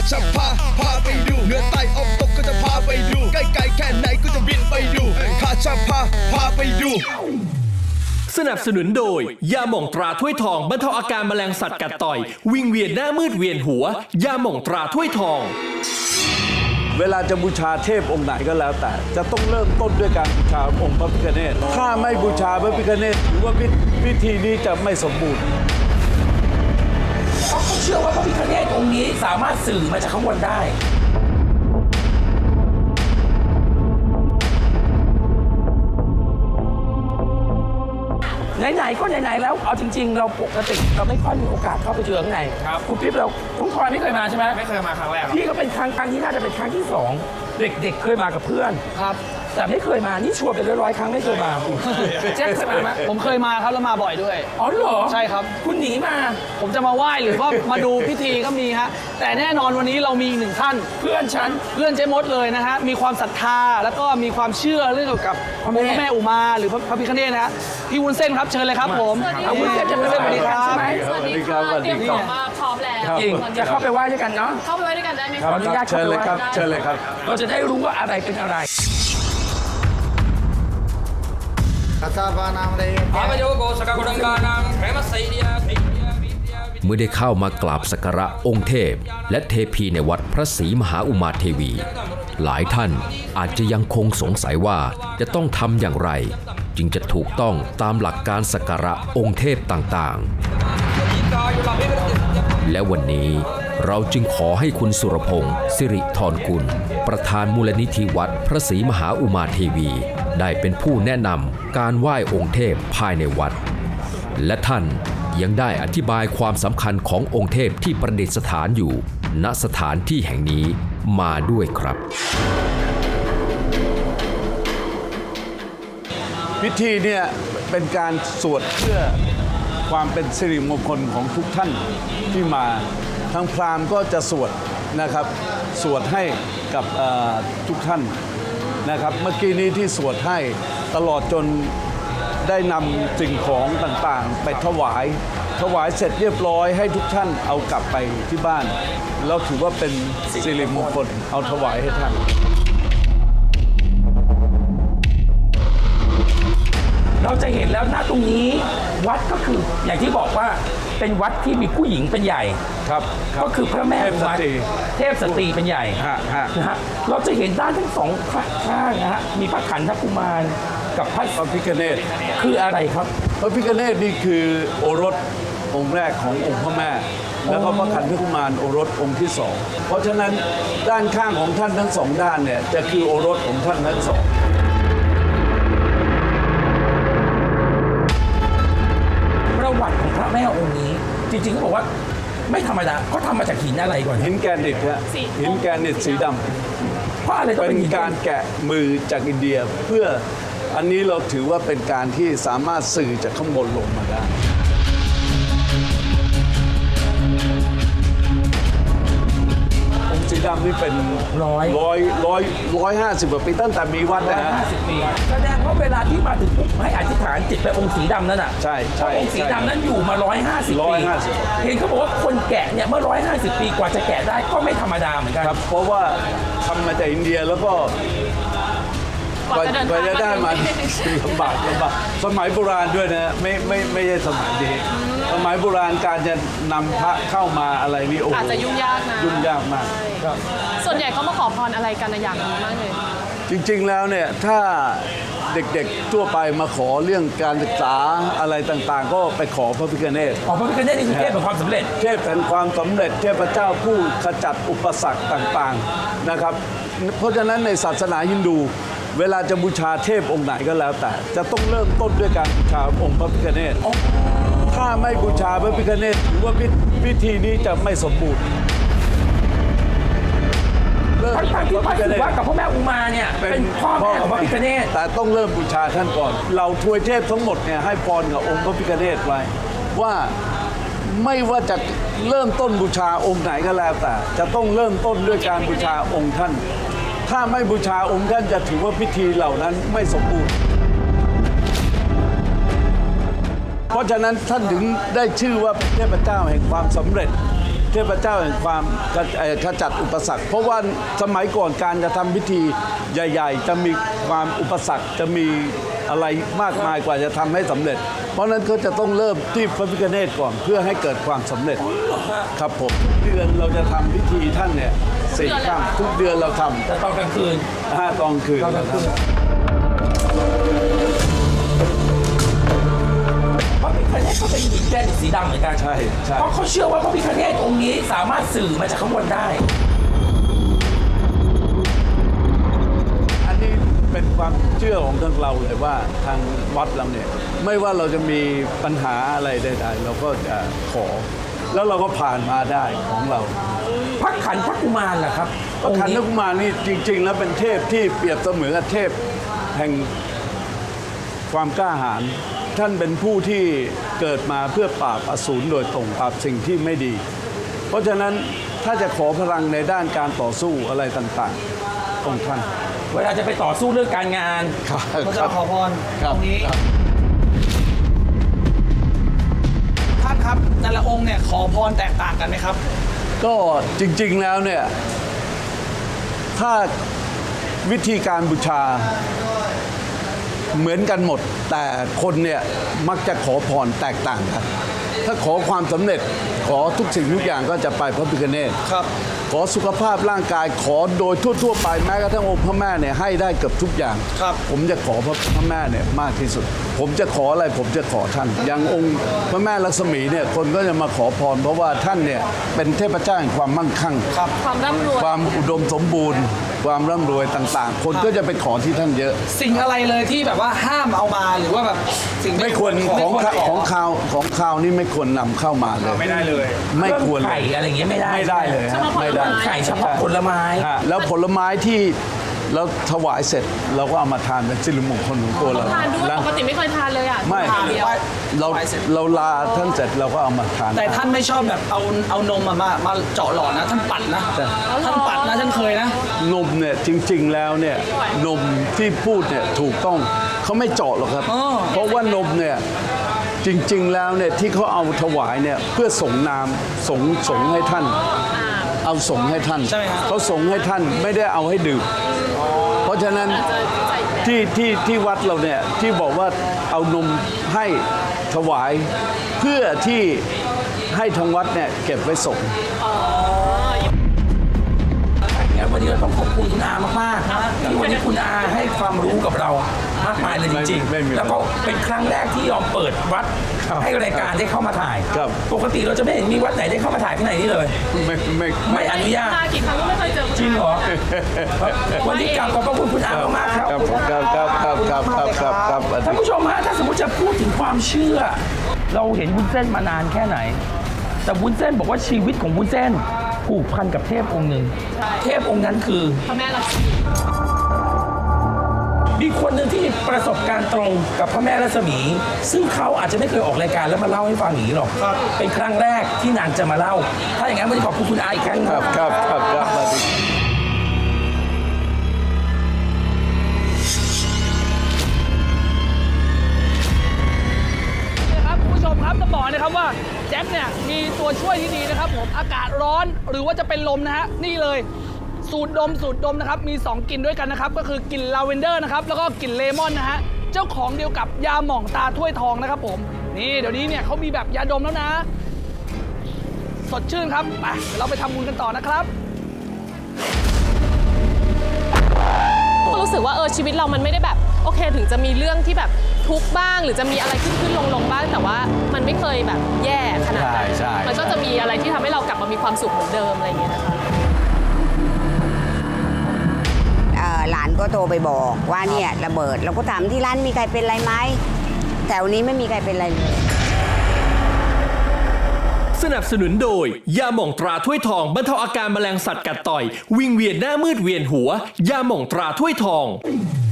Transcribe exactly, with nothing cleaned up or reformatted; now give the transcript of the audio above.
จะพาพาไปดูเหนือใต้ออกตกก็จะพาไปดูใกล้ๆแค่ไหนก็จะบินไปดูข้าจะพาพาไปดูสนับสนุนโดยยาหม่องตราถ้วยทองบรรเทาอาการแมลงสัตว์กัดต่อยวิงเวียนหน้ามืดเวียนหัวยาหม่องตราถ้วยทองเวลาจะบูชาเทพองค์ไหนก็แล้วแต่จะต้องเริ่มต้นด้วยการบูชาองค์พระพิฆเนศถ้าไม่บูชาพระพิฆเนศถือว่าพิธีนี้จะไม่สมบูรณ์เขาเชื่อว่าพระพิฆเนศองค์นี้สามารถสื่อมาจากข้างบนได้ไหนๆก็ไหนๆแล้วเอาจริงๆเราปกติเราไม่ค่อยมีโอกาสเข้าไปเจอข้างในครับคุณปิ๊บเราทุกคนไม่เคยมาใช่ไหมไม่เคยมาครั้งแรกพี่ก็เป็นครั้งครั้งที่น่าจะเป็นครั้งที่สองเด็กๆเคยมากับเพื่อนครับแต่ไม่เคยมานี่ชวนไปร้อยๆครั้งไม่เคยมาแจ็คเคยมาไหมผมเคยมาครับแล้วมาบ่อยด้วยอ๋อเหรอใช่ครับคุณหนีมาผมจะมาไหว้หรือว่ามาดูพิธีก็มีฮะแต่แน่นอนวันนี้เรามีหนึ่งท่านเพื่อนฉันเพื่อนเจ๊มดเลยนะฮะมีความศรัทธาแล้วก็มีความเชื่อเรื่องเกี่ยวกับพระแม่อุมาหรือพระพิฆเนศนะฮะพี่วุ้นเส้นครับเชิญเลยครับผมเอาวุ้นเส้นจะเป็นสวัสดีครับสวัสดีครับเตรียมของมาพร้อมแล้วจะเข้าไปไหว้ด้วยกันเนาะเข้าไปไหว้ด้วยกันได้ไหมขออนุญาตเชิญเลยครับเชิญเลยครับเราจะได้รู้ว่าอะไรเป็นอะไรเมื่อได้เข้ามากราบสักการะองค์เทพและเทพีในวัดพระศรีมหาอุมาเทวีหลายท่านอาจจะยังคงสงสัยว่าจะต้องทำอย่างไรจึงจะถูกต้องตามหลักการสักการะองค์เทพต่างๆและวันนี้เราจึงขอให้คุณสุรพงศ์สิริธรกุลประธานมูลนิธิวัดพระศรีมหาอุมาเทวีได้เป็นผู้แนะนำการไหว้องค์เทพภายในวัดและท่านยังได้อธิบายความสำคัญขององค์เทพที่ประดิษฐานอยู่ณสถานที่แห่งนี้มาด้วยครับพิธีเนี่ยเป็นการสวดเพื่อความเป็นสิริมงคลของทุกท่านที่มาทางพราหมณ์ก็จะสวดนะครับสวดให้กับทุกท่านนะครับเมื่อกี้นี้ที่สวดให้ตลอดจนได้นำสิ่งของต่างๆไปถวายถวายเสร็จเรียบร้อยให้ทุกท่านเอากลับไปที่บ้านแล้วถือว่าเป็นสิริมงคลเอาถวายให้ท่านเราจะเห็นแล้วณตรงนี้วัดก็คืออย่างที่บอกว่าเป็นวัดที่มีผู้หญิงเป็นใหญ่ครับก็คือพระแม่อุมาเทพสตรีเป็นใหญ่นะฮะเราจะเห็นด้านทั้งสองข้างนะฮะมีพระขันธกุมารกับพระพิฆเนศคืออะไรครับพระพิฆเนศนี่คือโอรสองค์แรกขององค์พระแม่แล้วก็พระขันธกุมารโอรสองค์ที่สองเพราะฉะนั้นด้านข้างของท่านทั้งสองด้านเนี่ยจะคือโอรสของท่านทั้งสองประวัติของพระแม่องค์นี้จริงๆเขาบอกว่าไม่ธรรมดาเขาทำมาจากหินอะไรก่อนหินแกรนิตฮะหินแกรนิตสีดำเพราะอะไรต้องเป็นการแกะมือจากอินเดียเพื่ออันนี้เราถือว่าเป็นการที่สามารถสื่อจากข้างบนลงมาได้องค์สีดำนี่เป็นร้อยร้อยร้อยร้อยห้าสิบกว่าปีตั้งแต่มีวัดนะฮะห้าสิบปีแสดงว่าเวลาที่มาถึงปุ๊บให้อธิษฐานจิตไปองค์สีดำนั่นอ่ะใช่ใช่องค์สีดำนั้นอยู่มาร้อยห้าสิบปีเห็นเขาบอกว่าคนแกะเนี่ยเมื่อร้อยห้าสิบปีกว่าจะแกะได้ก็ไม่ธรรมดาเหมือนกันครับเพราะว่าทำมาจากอินเดียแล้วก็กว่าจะได้มาลำบากลำบากสมัยโบราณด้วยนะไม่ไม่ไม่ใช่สมัยนี้สมัยโบราณการจะนำพระเข้ามาอะไรนี่โอ้อาจจะยุ่งยากนะยุ่งยากมากครับส่วนใหญ่เขามาขอพรอะไรกันในอย่างนี้มากเลยจริงๆแล้วเนี่ยถ้าเด็กๆทั่วไปมาขอเรื่องการศึกษาอะไรต่างๆก็ไปขอพระพิฆเนศขอพระพิฆเนศนี่คือเทพแห่งความสำเร็จเทพแห่งความสำเร็จเทพเจ้าผู้ขจัดอุปสรรคต่างๆนะครับเพราะฉะนั้นในศาสนาฮินดูเวลาจะบูชาเทพองค์ไหนก็แล้วแต่จะต้องเริ่มต้นด้วยการบูชาองค์พระพิฆเนศถ้าไม่บูชาพระพิฆเนศถือว่าพิธีนี้จะไม่สมบูรณ์ทั้งที่พระศิวะกับพระแม่อุมาเนี่ยเป็นพ่อแม่ของพระพิฆเนศแต่ต้องเริ่มบูชาท่านก่อนเราทวยเทพทั้งหมดเนี่ยให้พรกับองค์พระพิฆเนศไว้ว่าไม่ว่าจะเริ่มต้นบูชาองค์ไหนก็แล้วแต่จะต้องเริ่มต้นด้วยการบูชาองค์ท่านถ้าไม่บูชาองค์ท่านจะถือว่าพิธีเหล่านั้นไม่สมบูรณ์เพราะฉะนั้นท่านถึงได้ชื่อว่าเป็นเทพเจ้าแห่งความสำเร็จเทพเจ้าแห่งความขเอ่อขจัดอุปสรรค เพราะว่าสมัยก่อนการจะทำพิธีใหญ่ๆ จะมีความอุปสรรคจะมีอะไรมากมายกว่าจะทำให้สำเร็จ เพราะฉะนั้นก็จะต้องเริ่มที่พระพิฆเนศก่อนเพื่อให้เกิดความสำเร็จครับผมทุกเดือนเราจะทำพิธีท่านเนี่ยสี่ครั้งทุกเดือนเราทำแต่ตอนกลางคืนห้าตอนคืนตอนกลางคืนพระพิฆเนศก็เป็นหินแดงสีดำเหมือนกันใช่ใช่เพราะเขาเชื่อว่าพระพิฆเนศองค์นี้สามารถสื่อมาจากข้างบนได้อันนี้เป็นความเชื่อของทางเราเลยว่าทางวัดเราเนี่ยไม่ว่าเราจะมีปัญหาอะไรใดๆเราก็จะขอ แล้วเราก็ผ่านมาได้ของเราพระขันพระกุมารล่ะครับพระขันองธกุมารนี่จริง ๆ แล้วเป็นเทพที่เปรียบเสมือนกับเทพแห่งความกล้าหาญท่านเป็นผู้ที่เกิดมาเพื่อปราบอสูรโดยตรงปราบสิ่งที่ไม่ดี เพราะฉะนั้นถ้าจะขอพลังในด้านการต่อสู้อะไรต่างๆองค์ท่านเวลาจะไปต่อสู้เรื่องการงานเราจะขอพรคตรับรงนี้ครับท่านครับแต่ละองค์เนี่ยขอพรแตกต่างกันไหมครับก็จริงๆแล้วเนี่ยถ้าวิธีการบูชาเหมือนกันหมด แต่คนเนี่ยมักจะขอพรแตกต่างกัน ถ้าขอความสำเร็จขอทุกสิ่งทุกอย่างก็จะไปพระพิฆเนศครับขอสุขภาพร่างกายขอโดยทั่วๆไปแม้กระทั่งองค์พระแม่เนี่ยให้ได้เกือบทุกอย่างครับผมจะขอพระพระแม่เนี่ยมากที่สุด ผมจะขออะไรผมจะขอท่าน อย่างองค์พระแม่ลักษมีเนี่ยคนก็จะมาขอพร เพราะว่าท่านเนี่ยเป็นเทพเจ้าแห่งความมั่งคั่งครับความร่ำรวยความอุดมสมบูรณ์ ความร่ำรวยต่างๆ คนก็จะไปขอที่ท่านเยอะสิ่งอะไรเลยที่แบบว่าห้ามเอามาหรือว่าแบบสิ่งไม่ควรของไม่ของข่าวของข่าวนี่ไม่ควรนำเข้ามาเลย ไม่ได้เลย ไม่ควรไข่อะไรอย่างเงี้ยไม่ได้ไม่ได้เลยฮะไม่ได้ไข่เฉพาะผลไม้ฮะแล้วผลไม้ที่เราถวายเสร็จเราก็เอามาทานเป็นสิริมงคลของตัวเราทานด้วยแล้วปกติไม่เคยทานเลยอ่ะไม่ทานเดียวเราเราลาท่านเสร็จเราก็เอามาทานแต่ท่านไม่ชอบแบบเอาเอานมมามามาเจาะหลอดนะ ท่านปัดนะใช่ท่านปัดนะท่านเคยนะนมเนี่ยจริงๆแล้วเนี่ยนมที่พูดเนี่ยถูกต้องเขาไม่เจาะหรอกครับอ๋อเพราะว่านมเนี่ยจริงๆแล้วเนี่ยที่เขาเอาถวายเนี่ยเพื่อส่งนามส่งส่งให้ท่าน เอาส่งให้ท่านใช่ไหมครับเขาส่งให้ท่านไม่ได้เอาให้ดื่มเพราะฉะนั้นที่ที่ที่วัดเราเนี่ยที่บอกว่าเอานมให้ถวายเพื่อที่ให้ทางวัดเนี่ยเก็บไว้ส่งงั้นวันนี้เราต้องขอบคุณคุณอามากๆที่วันนี้คุณอาให้ความรู้กับเรามากมายเลยจริงไม่ไม่มีๆ แล้วก็เป็นครั้งแรกที่ยอมเปิดวัดครับให้รายการได้เข้ามาถ่ายครับปกติเราจะไม่เห็นมีวัดไหนได้เข้ามาถ่ายที่ไหนนี่เลยไม่ไม่ไม่อนุญาตมากี่ครั้งก็ไม่เคยเจอจริงเหรอ วันนี้กราบขอบพระคุณคุณอามากๆครับครับครับครับครับครับครับครับครับท่านผู้ชมฮะถ้าสมมติจะพูดถึงความเชื่อ เราเห็นวุ้นเส้นมานานแค่ไหน แต่วุ้นเส้นบอกว่าชีวิตของวุ้นเส้นผูกพันกับเทพองค์หนึ่งเทพองค์นั้นคือพระแม่ลักษมีมีคนหนึ่งที่มีประสบการณ์ตรงกับพระแม่รัศมี ซึ่งเขาอาจจะไม่เคยออกรายการแล้วมาเล่าให้ฟังอย่างนี้หรอกเป็นครั้งแรกที่นางจะมาเล่า ถ้าอย่างนั้นวันนี้ขอบคุณคุณอาอีกครั้งครับครับครับครับสวัสดีนะครับคุณผู้ชมครับจะบอกนะครับว่าแจ็คเนี่ยมีตัวช่วยที่ดีนะครับผมอากาศร้อนหรือว่าจะเป็นลมนะฮะนี่เลยสูตรดมสูตรดมนะครับมีสองกลิ่นด้วยกันนะครับก็คือกลิ่นลาเวนเดอร์นะครับแล้วก็กลิ่นเลมอนนะฮะเจ้าของเดียวกับยาหม่องตาถ้วยทองนะครับผมนี่เดี๋ยวนี้เนี่ยเขามีแบบยาดมแล้วนะ สดชื่นครับไปเดี๋ยวเราไปทำบุญกันต่อนะครับก็รู้สึกว่าเออชีวิตเรามันไม่ได้แบบโอเคถึงจะมีเรื่องที่แบบทุกข์บ้าง หรือจะมีอะไรขึ้นขึ้นลงลงบ้าง แต่ว่ามันไม่เคยแบบแย่ขนาดนั้นใช่ใช่มันก็จะมีอะไรที่ทำให้เรากลับมามีความสุขเหมือนเดิมอะไรอย่างเงี้ยนะคะเอ่อหลานก็โทรไปบอกว่าเนี่ยระเบิดเราก็ถามที่ร้านมีใครเป็นไรไหมแถวนี้ไม่มีใครเป็นไรเลยสนับสนุนโดย ยาหม่องตราถ้วยทองบรรเทาอาการแมลงสัตว์กัดต่อย วิงเวียนหน้ามืดเวียนหัว ยาหม่องตราถ้วยทองเ